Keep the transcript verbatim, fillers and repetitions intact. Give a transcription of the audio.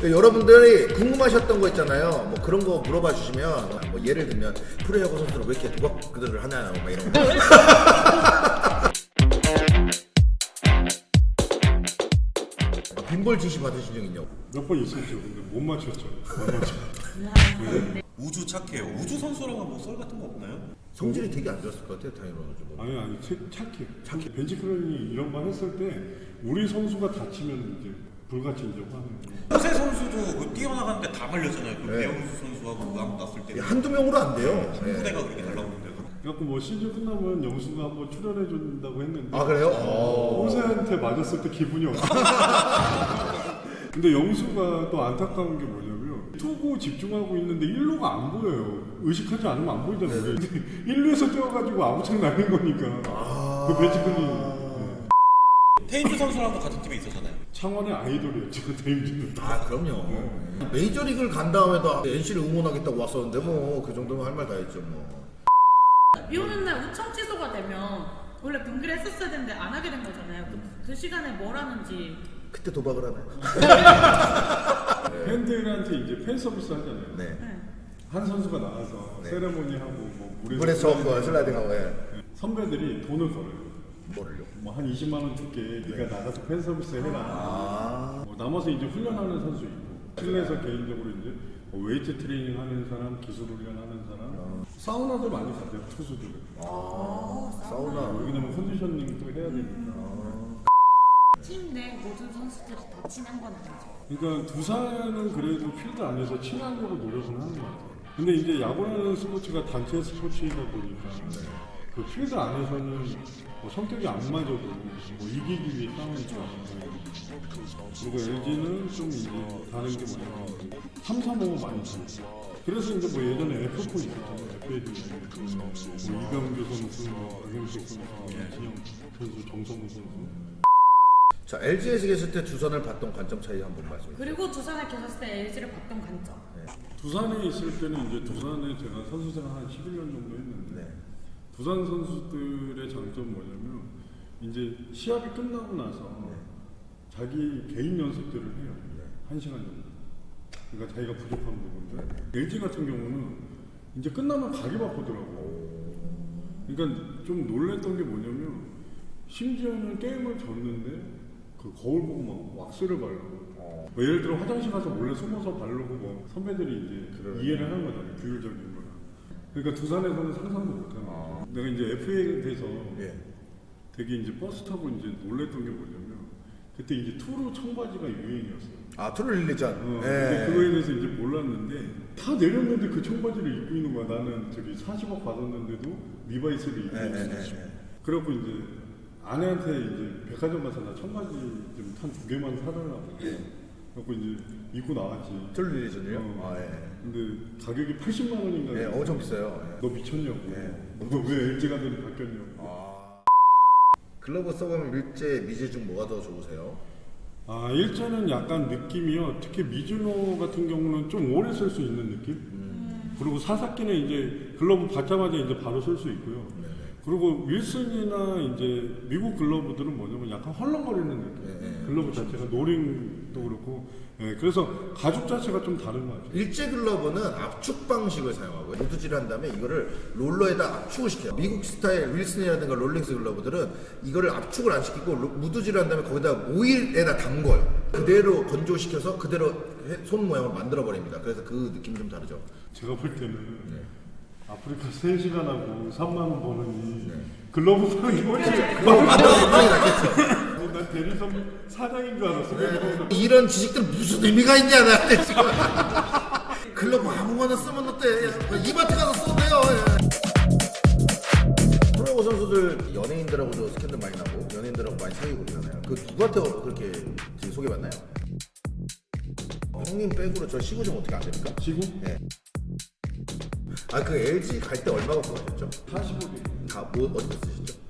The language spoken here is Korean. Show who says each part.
Speaker 1: 여러분들이 궁금하셨던 거 있잖아요. 뭐 그런 거 물어봐 주시면 뭐 예를 들면 프로야구 선수는 왜 이렇게 도박들을 하나요? 막 이런 거. 빈볼 지시 받으신 적 있냐고?
Speaker 2: 몇 번 있었죠. 근데 못 맞췄죠. 못 맞췄죠.
Speaker 3: 우주 착해요. 우주 선수랑은 뭐 썰 같은 거 없나요?
Speaker 1: 성질이 되게 안 좋았을 것 같아요, 당연히.
Speaker 2: 아니 아니 착해. 착해. 벤치 클런이 이런 말 했을 때 우리 선수가 다치면 이제 불같이 이제 화내고.
Speaker 3: 호세 선수도 그 뛰어나가는데 다 말렸잖아요. 그
Speaker 1: 네.
Speaker 3: 배영수 선수하고 그 아무 났을 때
Speaker 1: 한두 명으로 안 돼요.
Speaker 3: 한
Speaker 1: 네.
Speaker 3: 부대가 그렇게 날라오는데.
Speaker 2: 그래갖고 뭐 시즌 끝나면 영수가 한번 출연해 준다고 했는데.
Speaker 1: 아 그래요? 어.
Speaker 2: 호세한테 맞았을 때 기분이 없어. 근데 영수가 또 안타까운 게 뭐냐면 투구 집중하고 있는데 일 루가 안 보여요. 의식하지 않으면 안 보이잖아요. 근데 일 루에서 뛰어가지고 아무창 날린 거니까.
Speaker 1: 아.
Speaker 2: 그 벤치 클런이.
Speaker 3: 테인주 선수랑도 같은 팀에 있었잖아요.
Speaker 2: 창원의 아이돌이었죠, 데임즈는.
Speaker 1: 아 그럼요. 메이저리그를 간 다음에도 엔씨를 응원하겠다고 왔었는데 뭐 그 정도면 할 말 다 했죠 뭐.
Speaker 4: 비 오는 날 우청 취소가 되면 원래 경기를 했었어야 되는데 안 하게 된 거잖아요. 그, 그 시간에 뭘 하는지.
Speaker 1: 그때 도박을 하나요?
Speaker 2: 팬들한테 이제 팬 서비스 하잖아요.
Speaker 1: 네.
Speaker 4: 네.
Speaker 2: 한 선수가 나와서
Speaker 1: 네.
Speaker 2: 세레모니 하고 뭐 물에서,
Speaker 1: 물에 서 슬라이딩하고 예.
Speaker 2: 선배들이 돈을 걸어요.
Speaker 1: 뭐를요?
Speaker 2: 뭐 한 이십만 원 줄게. 네가 나가서 팬 서비스 해라.
Speaker 1: 아.
Speaker 2: 뭐 남아서 이제 훈련하는 선수 있고 실내에서 개인적으로 이제 뭐 웨이트 트레이닝 하는 사람, 기술 훈련 하는 사람, 사우나도 많이 가요 투수들은.
Speaker 1: 아. 사우나.
Speaker 2: 왜냐면 컨디셔닝도 해야 되니까.
Speaker 4: 팀 내 모든 선수들이 다 친한 건 아니죠.
Speaker 2: 그러니까 두산은 그래도 필드 안에서 친하려고 노력은 하는 것 같아요. 근데 이제 야구라는 스포츠가 단체 스포츠이다 보니까 그 필드 안에서는 뭐 성격이 안 맞아도 뭐 이기기 위해 싸우니까. 그리고 엘지는 좀 이제 다른 게 뭐냐면 삼, 삼, 오 많이 쳐요. 그래서 이제 뭐 예전에 에프포 있었잖아요. 에프에이도 뭐 이병규 선수, 뭐 박영식 선수, 진영 선수, 정성우 선수.
Speaker 1: 자 엘지에서 계실 때 두산을 봤던 관점 차이 한번 말씀해 주세요.
Speaker 4: 그리고 두산에 계셨을 때 엘지를 봤던 관점.
Speaker 1: 네.
Speaker 2: 두산에 있을 때는 이제 두산에 제가 선수 생활 한 십일 년 정도 했는데
Speaker 1: 네.
Speaker 2: 두산 선수들의 장점은 뭐냐면 이제 시합이 끝나고 나서
Speaker 1: 네.
Speaker 2: 자기 개인 연습들을 해요.
Speaker 1: 네.
Speaker 2: 한 시간 정도. 그러니까 자기가 부족한 부분들. 엘지 같은 경우는 이제 끝나면 가기 바쁘더라고. 그러니까 좀 놀랬던 게 뭐냐면 심지어는 게임을 졌는데 그 거울 보고 막 왁스를 바르고
Speaker 1: 어.
Speaker 2: 뭐 예를 들어 화장실 가서 몰래 숨어서 바르고 뭐 선배들이 이제
Speaker 1: 그러네.
Speaker 2: 이해를 하는 거잖아요. 규율적인 걸. 그러니까 두산에서는 상상도 못하는 거죠. 내가 이제 에프에이에 대해서
Speaker 1: 예.
Speaker 2: 되게 이제 버스 타고 이제 놀랬던 게 뭐냐면 그때 이제 투루 청바지가 유행이었어요.
Speaker 1: 아 투를 릴리전.
Speaker 2: 어,
Speaker 1: 예.
Speaker 2: 근데 그거에 대해서 이제 몰랐는데 다 내렸는데 그 청바지를 입고 있는 거야. 나는 저기 사십억 받았는데도 리바이스를 입고
Speaker 1: 예, 예,
Speaker 2: 있었어.
Speaker 1: 예, 예.
Speaker 2: 그래갖고 이제 아내한테 이제 백화점 가서 나 청바지 좀 한 두 개만 사달라고. 그래갖고 이제 입고 나왔지.
Speaker 1: 투를 릴리전이요?
Speaker 2: 어.
Speaker 1: 아 예.
Speaker 2: 근데 가격이 팔십만 원인가.
Speaker 1: 예, 엄청 비싸요. 예.
Speaker 2: 너 미쳤냐고.
Speaker 1: 예.
Speaker 2: 너 왜 엘지 가더니 바뀌었냐고.
Speaker 1: 아. 글러브 써보면 밀제, 미제 중 뭐가 더 좋으세요?
Speaker 2: 아, 일자는 약간 느낌이요. 특히 미즈노 같은 경우는 좀 오래 쓸 수 있는 느낌? 음. 그리고 사사키는 이제 글러브 받자마자 이제 바로 쓸 수 있고요.
Speaker 1: 네네.
Speaker 2: 그리고 윌슨이나 이제 미국 글러브들은 뭐냐면 약간 헐렁거리는 느낌.
Speaker 1: 네네.
Speaker 2: 글러브 자체가 노링도 그렇고. 예, 그래서 가죽 자체가 좀 다른 것 같아요.
Speaker 1: 일제 글러브는 압축 방식을 사용하고요. 모드질을 한 다음에 이거를 롤러에다 압축을 시켜요. 미국 스타일 윌슨이라든가 롤링스 글러브들은 이거를 압축을 안 시키고 로- 무드질을 한 다음에 거기다 오일에다 담궈요. 그대로 건조시켜서 그대로 해- 손 모양을 만들어 버립니다. 그래서 그 느낌이 좀 다르죠.
Speaker 2: 제가 볼 때는
Speaker 1: 네.
Speaker 2: 아프리카 세 시간 하고 삼만 원 버느니
Speaker 1: 네.
Speaker 2: 글러브 파는 게 훨씬
Speaker 1: 그거 만들어서 빵이 낫겠죠.
Speaker 2: 난 대리점 사장인 줄 알았어. 그래서
Speaker 1: 이런 지식들 무슨 의미가 있냐 나한테 지금. 글러브 아무거나 쓰면 어때? 이마트 가서 써도 돼요. 예. 프로야구 선수들 연예인들하고도 스캔들 많이 나고 연예인들하고 많이 사귀고 그러잖아요. 그 누구한테 그렇게 지금 소개받나요? 어, 형님 백으로 저 시구 좀 어떻게 안 됩니까?
Speaker 2: 지구
Speaker 1: 네. 아 그 엘지 갈 때 얼마 갖고 가셨죠?
Speaker 2: 사십억이
Speaker 1: 다 뭐 어디서 쓰셨죠?